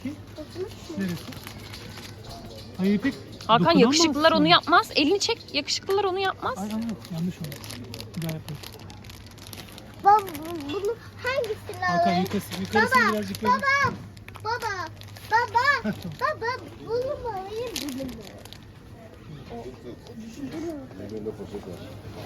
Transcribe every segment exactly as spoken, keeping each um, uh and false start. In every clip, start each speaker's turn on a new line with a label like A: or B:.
A: Ki? Neresi? Hayır İpek.
B: Hakan
A: dokunamazsın.
B: yakışıklılar onu yapmaz. Elini çek. Yakışıklılar onu yapmaz.
A: Ay ama yok, yanlış oldu. Bir daha yapalım.
C: Baba bunu hangisini
A: Hakan
C: alayım?
A: yukarısı, yukarısını
C: Baba,
A: birazcık böyle.
C: baba, baba, baba,
A: Heh, tamam.
C: baba, bunu mu alayım, bunu mu?
D: Elinde poşet var.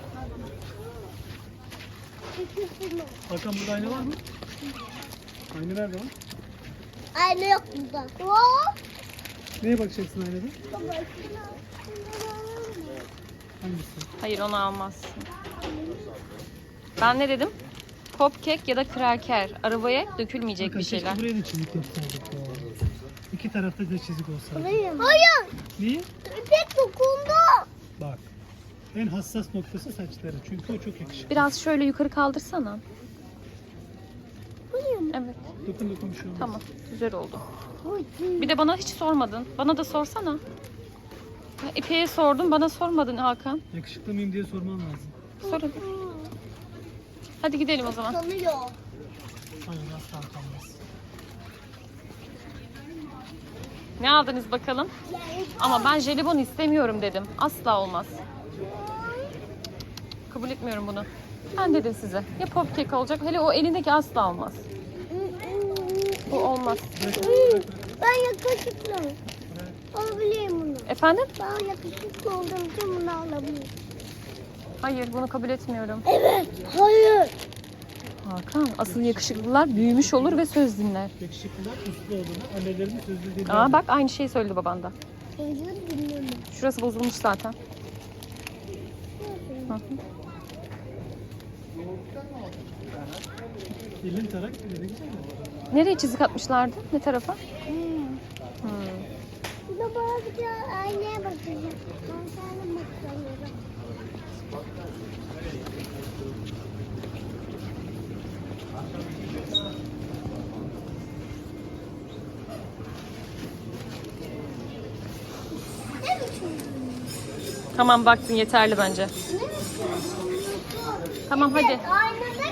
C: İkisini.
A: Hakan burada ayna var mı? Ayna nerede var?
C: Aynı yok burada. Hop.
A: Neye bakacaksın aynada?
C: Baba, şunu al, şunu alalım mı?
A: Hangisi?
B: Hayır onu almazsın. Ben ne dedim? Cupcake ya da kraker. Arabaya dökülmeyecek
A: Hakan
B: bir
A: keşke
B: şeyler.
A: buraya da çizik yapsaydık ya. İki tarafta da çizik olsaydı.
C: Alayım. Hayır.
A: Niye?
C: İpek dokundu.
A: Bak. En hassas noktası saçları. Çünkü o çok yakışıklı.
B: Biraz şöyle yukarı kaldırsana.
C: Alayım.
B: Evet.
A: Dokun dokun bir şey olmaz.
B: Tamam. Güzel oldu.
C: Hadi.
B: Bir de bana hiç sormadın. Bana da sorsana. Ya İpek'e sordum. Bana sormadın Hakan.
A: Yakışıklı mıyım diye sorman lazım.
B: Sor hadi. Hadi gidelim o zaman.
C: Sanıyor.
A: Hayır asla kalmaz.
B: Ne aldınız bakalım? Ama ben jelibon istemiyorum dedim. Asla olmaz. Kabul etmiyorum bunu. Ben dedim size. Ya popkek olacak. Hele o elindeki asla olmaz. Bu olmaz.
C: Ben yakışıklı. Alabilirim bunu.
B: Efendim?
C: Ben yakışıklı olduğum için bunu alabilirim.
B: Hayır bunu kabul etmiyorum.
C: Evet. Hayır.
B: Hakan asıl yakışıklılar büyümüş olur ve söz dinler.
A: Yakışıklılar uslu olduğunu, annelerinin sözü değil.
B: Aa bak aynı şeyi söyledi baban da.
C: Özür dilerim.
B: Şurası bozulmuş zaten. Hı hı.
A: Elin tarak ne güzel mi?
B: Nereye çizik atmışlardı? Ne tarafa?
C: Hmm.
B: Hmm.
C: Bir de bana bir de aynaya bakacağım. Ben sana bakıyorum. Ne biçim?
B: Tamam baktın yeterli bence.
C: Ne biçim?
B: Tamam hadi.
C: Aynada